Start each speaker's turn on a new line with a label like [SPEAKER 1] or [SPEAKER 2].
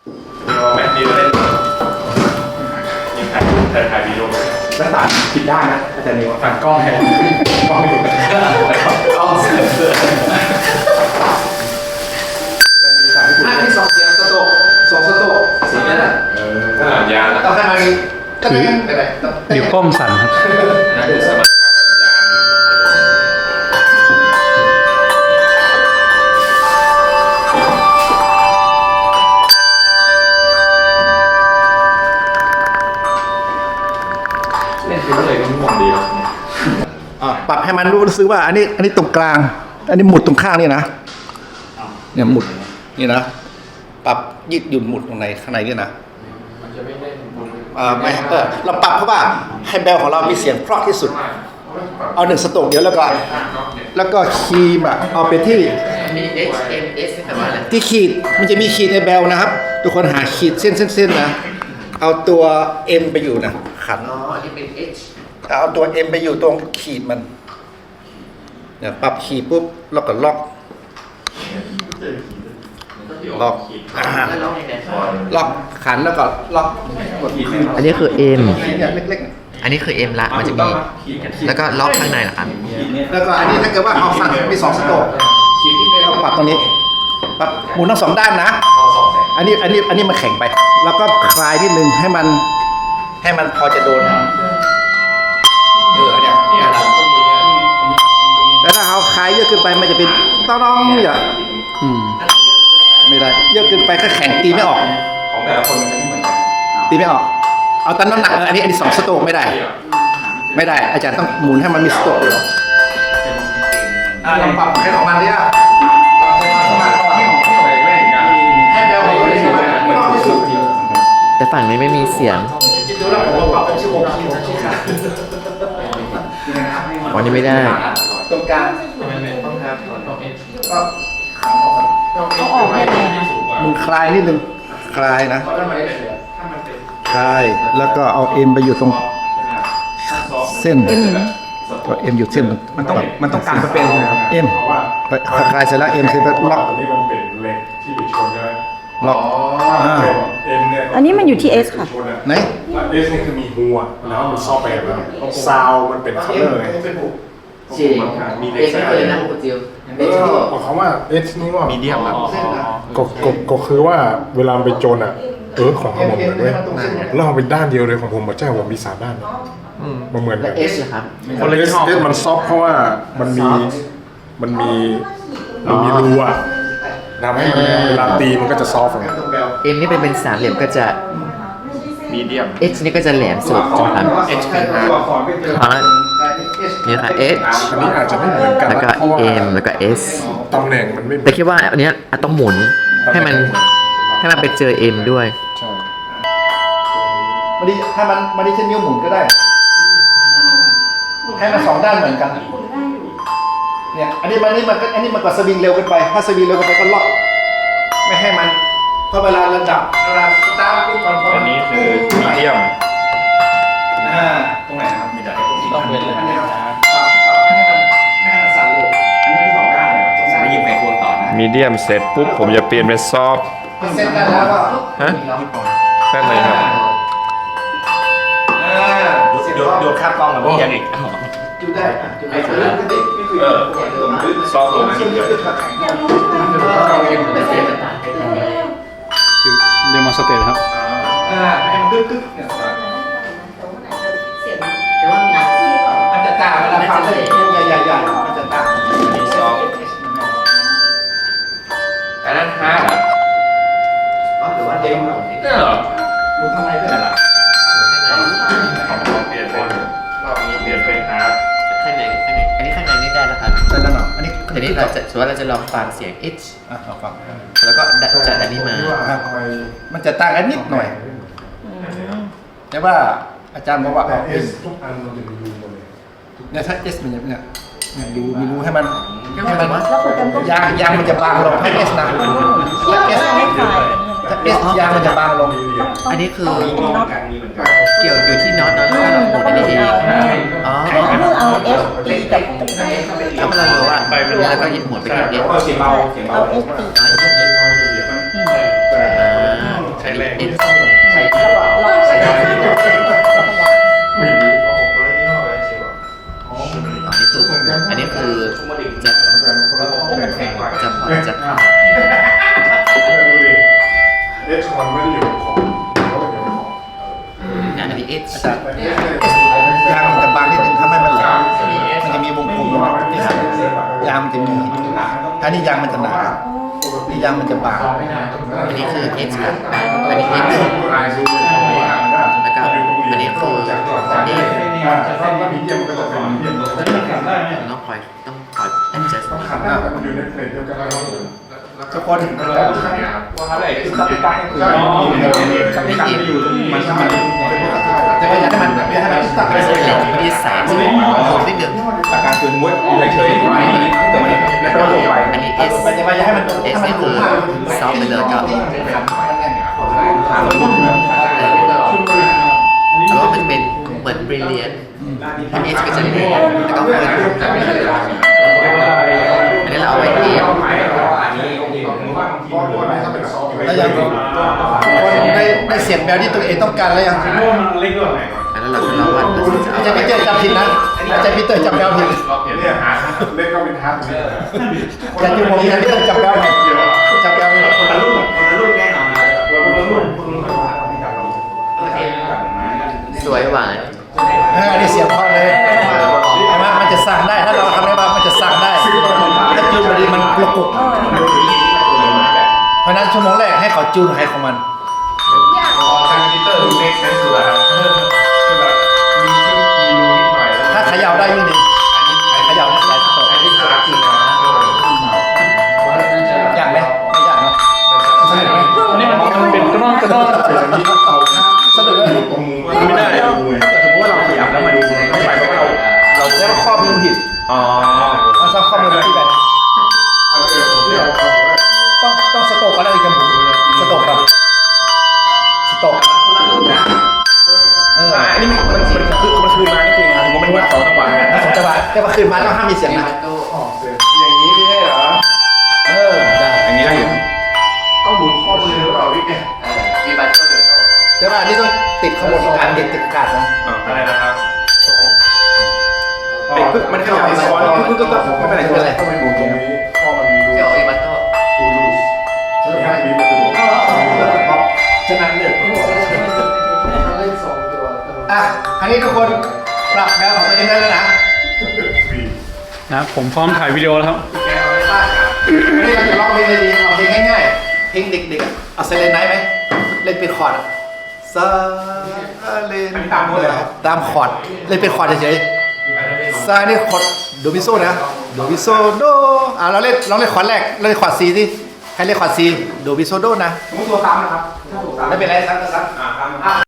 [SPEAKER 1] แมทดีเลยยังถ่ายวิดีโอรักษาผิดด้านนะอาจารย์นิวฝั่งกล้องแทนกล้องไม่ถูกกล้องเสือ
[SPEAKER 2] ที่สองเสียงสโตกสองสโตกเสียงนั่นแหละ
[SPEAKER 1] ขนาดยาแล้ว
[SPEAKER 2] ต้องให้มันก็ไม่เป็นไร
[SPEAKER 3] นิ้วก้มสั่นครับ
[SPEAKER 1] นั่นคือสมรรถภาพยานเล่นไปเรื่อยก็ง่วงดีแล้ว
[SPEAKER 2] ปรับให้มันรู้สึกว่าอันนี้ตรงกลางอันนี้หมุดตรงข้างนี่นะเนี่ยหมุดนี่นะปรับยืดหยุ่นหมุดตรงไหนข้างในนี่นะ
[SPEAKER 1] มันจะไม่เล่น
[SPEAKER 2] ไม่เราปรับเพราะว่าให้เบลของเรามีเสียงเพราะที่สุดเอา1 สโตรกเดียวแล้วก็คีย์แบบเอาไปที่
[SPEAKER 4] มี H M S นี่แปลว่าอะไร
[SPEAKER 2] ที่ขีดมันจะมีขีดในเบลนะครับทุกคนหาขีดเส้นนะเอาตัว M ไปอยู่นะขัน
[SPEAKER 4] อ๋ออันนี้เป็น H
[SPEAKER 2] เอาตัว M ไปอยู่ตรงขีดมันเนี่ยปรับขีดปุ๊บแล้วก็ล็อก
[SPEAKER 4] แล้วล็อกยังไง
[SPEAKER 2] ล็อกขันแล้วก็ล็อก
[SPEAKER 4] อันนี้คือ M
[SPEAKER 2] เนี่ยเล็ก
[SPEAKER 4] อันนี้คือ M ละมันจะมีแล้วก็ล็อกข้างในเหรอครับ
[SPEAKER 2] ๆแล้วก็อันนี้ถ้าเกิดว่าเอาฟังมี2 สโตรกเราปรับตรงนี้ปรับหมุนทั้ง2 ด้านนะอันนี้มันแข็งไปแล้วก็คลายนิดนึงให้มันพอจะโดนเนี่ยแต่ถ้าเอาคลายเยอะเกินไปมันจะเป็นต้องอย่าไม่ได้เยอะเกินไปก็แข็งตีไม่ออก
[SPEAKER 1] ของแต่ละคนมันจะไม่เหมือนกัน
[SPEAKER 2] ตีไม่ออกเอาตั้งน้ำหนักอันนี้2 สโตรกไม่ได้อาจารย์ต้องหมุนให้มันมีสโตรกอยู่ลองปรับให้ของมันดิอ่ะให้เบลที่สุด
[SPEAKER 4] แต่ฝั่งนี้ไม่มีเสียง
[SPEAKER 2] ดูแล้วผมปรับเป็น16 ขีดนะชิค่ะ
[SPEAKER 4] วันนี้ไม่ได้
[SPEAKER 2] ตรงกลาง
[SPEAKER 4] ต้องครับ
[SPEAKER 2] ก็ออกให้มึงคลายนิดนึงคลายนะคลายแล้วก็เอา M ไปอยู่ตรงเส้นตัว M อยู่เส้น
[SPEAKER 3] มันต้องการเป็นนะครับ
[SPEAKER 2] M คลายเสร็จแล้ว M เสร็จแล้วล็อก
[SPEAKER 1] อันนี้มันเป็นเหล็กที่ไปชนกัน
[SPEAKER 2] ล็อก
[SPEAKER 1] M เนี่ย
[SPEAKER 5] อันนี้มันอยู่ที่ S ค่ะ
[SPEAKER 2] ไหน
[SPEAKER 1] S นี่คือมีหัวแล้วมันซอฟต์แวร์แล้วซาวมันเป็นคัลเลอร์ไง
[SPEAKER 4] จริงมีเล็กไม่เคยนะคุณจิว
[SPEAKER 1] บอกเขาว่า S นี่ว่า
[SPEAKER 4] มีเดียมครับ
[SPEAKER 1] ก็คือว่าเวลาไปโจนอ่ะของผมเหมือนด้วยแล้วเอาเป็นด้านเดียวเลยของผมมาแจ้งว่ามี3 ด้านมันเหมือนกัน
[SPEAKER 4] S ครับ
[SPEAKER 1] คนละชอบมันซอฟเพราะว่ามันมีรูอะทำให้มันเวลาตีมันก็จะซอฟไง
[SPEAKER 4] M นี่เป็น3 เหลี่ยมก็จะ
[SPEAKER 1] มีเดียม
[SPEAKER 4] H นี่ก็จะแหลมสุดใช่ไหมครับ
[SPEAKER 1] H คือ
[SPEAKER 4] ฮาร์ดนี่ค่ะ H
[SPEAKER 1] อันนี้อาจจะไม่เหมือนกัน
[SPEAKER 4] แล้วก็ M แล้วก็ S
[SPEAKER 1] ตำแหน่งมันไม่
[SPEAKER 4] แต่คิดว่าอันนี้ต้องหมุนให้มันไปเจอ M ด้วย
[SPEAKER 1] ใช่
[SPEAKER 2] มันดีให้มันดีเช่นนิ้วหมุนก็ได้ให้มัน2 ด้านเหมือนกันเนี่ยอันนี้มันก็สวิงเร็วเกินไปถ้าสวิงเร็วเกินไปก็ล็อกไม่ให้มันเพราะเวลาระดับเวลาสตาร์ทปุ๊บ
[SPEAKER 1] อันนี้คือมีเดียม
[SPEAKER 2] ตรงไหนครับมีแต่ต้องเป็นเลยอันนี้ครับไม่ให้มันสั่นเร็วอันนี้คือ2 ด้านเลยครับไม่ยิงไขควงต่อนะ
[SPEAKER 1] มีเดียมเสร็จปุ๊บผมจะเปลี่ยนเป็นซอฟ
[SPEAKER 2] เส้นกันแล้วก็
[SPEAKER 1] แค่ไหนครับ
[SPEAKER 2] ดูค่ากล้องกับพี่ยังอีกดูได้
[SPEAKER 1] ซอฟลง
[SPEAKER 3] เดโมสเตทครับ
[SPEAKER 2] ให้มันตึ๊กเนี่ยมันจะต่างเวลาฟังใหญ่มันจะต่าง
[SPEAKER 1] มีซอฟอันนั้นฮาร์ด
[SPEAKER 2] หรือว่าเด้ง
[SPEAKER 1] เนี่ยเหรอ
[SPEAKER 2] ดูข้างในด้วยล่ะ
[SPEAKER 1] เปลี่ยนเป็นฮาร์ด
[SPEAKER 4] ข้างในอันนี้ข้างในนี่ได้แล้วครับ
[SPEAKER 2] ได้แล้วเนาะอันนี้
[SPEAKER 4] ทีนี้เราจะลองฟังเสียง H
[SPEAKER 2] ลองฟัง
[SPEAKER 4] แล้วก็จัดอันนี้มา
[SPEAKER 2] มันจะต่างกันนิดหน่อยแต่ว่าอาจารย์บอกว่า
[SPEAKER 1] S ทุกอันมันจะมีรูหมดเลย
[SPEAKER 2] เนี่ยถ้า S มันเนี่ยดูมีรูให้มันยางมันจะบางลงถ้า S นะถ้า S ยางมันจะบางลง
[SPEAKER 4] อันนี้คือเกี่ยวอยู่ที่น็อตแล้วก็เราหมุนอันนี้เองอ๋อ
[SPEAKER 5] เอา F ตีกับ
[SPEAKER 4] ถ้าเรารู้ว่าแล้วก็หยิบหมุนไปที่ S
[SPEAKER 5] เอา F ตี
[SPEAKER 4] เอ็น
[SPEAKER 1] ใส่
[SPEAKER 5] แล้วก็ล็อกใส่ข้างๆแล้วก็วาง
[SPEAKER 1] ไม่รู้
[SPEAKER 4] อันนี้คือจะจะผ่อนจะคลาย
[SPEAKER 1] เอชมันไม่ได้อยู่ของเขาอยู่ของ
[SPEAKER 4] อันนี้เอส
[SPEAKER 2] ยางมันจะบางนิดนึงถ้าไม่มันแหลมมันจะมีวงกลมที่หักยางมันจะมีถ้านี่ยางมันจะหนานี่ยางมันจะบาง
[SPEAKER 4] อันนี้คือเอสครับอันนี้เอสแล้วก็อันนี้คือเอฟต้องคอยadjust
[SPEAKER 1] อยู่ในเพลงเดียวกันแล้ว
[SPEAKER 2] ทุกคน
[SPEAKER 1] ว่าอะไรคือตัดการคือตัดการไม่อยู่มันมัน
[SPEAKER 2] แต่ว่าอยากให้มันตัดไป
[SPEAKER 4] ไม่
[SPEAKER 2] เล
[SPEAKER 4] ใช่
[SPEAKER 2] ย
[SPEAKER 4] มีแสงสีผมนิดนึง
[SPEAKER 1] ตัดการคือม้วนเฉยๆแต่มันแล้วก็ลงไป
[SPEAKER 4] อันนี้เอส
[SPEAKER 2] มันจะมาอยากให้มัน
[SPEAKER 4] เอสนี่คือซอฟต์ไปเลยก็แล้วก็มันเป็นเหมือน brilliant อันนี้ก็จะเป็นแล้วก็เปิดอันนี้เราเอาไว้เทียบ
[SPEAKER 2] แล้วยังได้เสียงแมวที่ตัวเองต้องการแล้วยัง
[SPEAKER 4] อันนั้นเราจะวัดแล้วจะ
[SPEAKER 2] อาจารย์พีเตอร์จำผิดนะอาจารย์พีเตอร์จำแมวผิด
[SPEAKER 1] เนี่ยหาเล่นก็เป็นฮาร์ด
[SPEAKER 2] อาจารย์ที่ผมอาจารย์พีเตอร์จำแมวผิดจำแมวผิด
[SPEAKER 1] คนละรุ่นแน่นอนคนละรุ่น
[SPEAKER 4] สวยหวาน
[SPEAKER 2] อันนี้เสียงเพราะเลยใช่ไหมมันจะสั่งได้ถ้าเราทำได้บ้างมันจะสั่งได้ถ้าจูนพอดีมันกระกุกเพราะนั้นชั่วโมงแรกให้เขาจูนใครของมัน
[SPEAKER 1] ทางมิเตอร์ดูเมคเซนส์สุดแล้วคือแบบมีรูนิดหน่อยแล้ว
[SPEAKER 2] ถ้าเขย่าได้ยิ่งดีเขย่าได้หลายสเต็ป
[SPEAKER 1] อันนี้ขาจริงนะ
[SPEAKER 2] ยากไหมไม่ยากเนาะสนุกไหม
[SPEAKER 3] อันนี้มันเป็นกระนอกเฉยๆนี่
[SPEAKER 2] สนุกเลย
[SPEAKER 1] ตรงมือไม่ได้สมมติว่าเราขยับแล้วมันไม่ไปเพราะเรา
[SPEAKER 2] แล้วก็ข้อมือผิด
[SPEAKER 1] อ๋อ
[SPEAKER 2] เอาซ้ำข้อมือที่แบบต้องสโตกก็ได้กันสโตกกับสโตก
[SPEAKER 1] อันนี้มันคืนมานี่คือไงผมมันวัด2จังหวะ
[SPEAKER 2] น่าสนใจว่าแต่ว่าคืนมาต้องห้ามมีเสียงนะ
[SPEAKER 1] อย่างนี้ไม่ใช่เหรอ
[SPEAKER 2] ได้
[SPEAKER 1] อย่างนี้ได้อยู่ต้องหมุนข้อมือหรือเปล่าพี่แก
[SPEAKER 4] มีบัตรก็เดือด
[SPEAKER 2] แต่ว่าอันนี้ต้องติดขบวนการติดกาดนะ
[SPEAKER 1] อะไรนะครับมันขยับซ้อนคือก็ไม่เป็นไรต้องไปหมุนตรงนี้ข้อมันมีรู
[SPEAKER 4] เดี๋ยวอีบัตโต้
[SPEAKER 1] รูรูใช่ไหมมีประตูฉะนั้นเนี่ย
[SPEAKER 2] อ่ะครั้นี้ทุกคนปรับแบบของตัวเองได้แล้วนะ
[SPEAKER 3] นะผมพร้อมถ่ายวิดีโอแล้วครับ
[SPEAKER 2] วันนี้เราจะร้องเพลงเลยดีเอาเพลงง่ายๆเพลงเด็กๆเอาเซเลนไนท์ไหมเล่นเป็นคอร์ดซาเลนตามคอร์ดเล่นเป็นคอร์ดเฉยๆซานี่คอร์ดโดมิโซนะโดมิโซโดเราเล่นคอร์ดแรกเล่นคอร์ดซีสิใครเล่นคอร์ดซีโดมิโซโดนะ
[SPEAKER 1] สมมติตัวซ้ำนะครับ
[SPEAKER 2] ไม่เป็นไรซ้ำ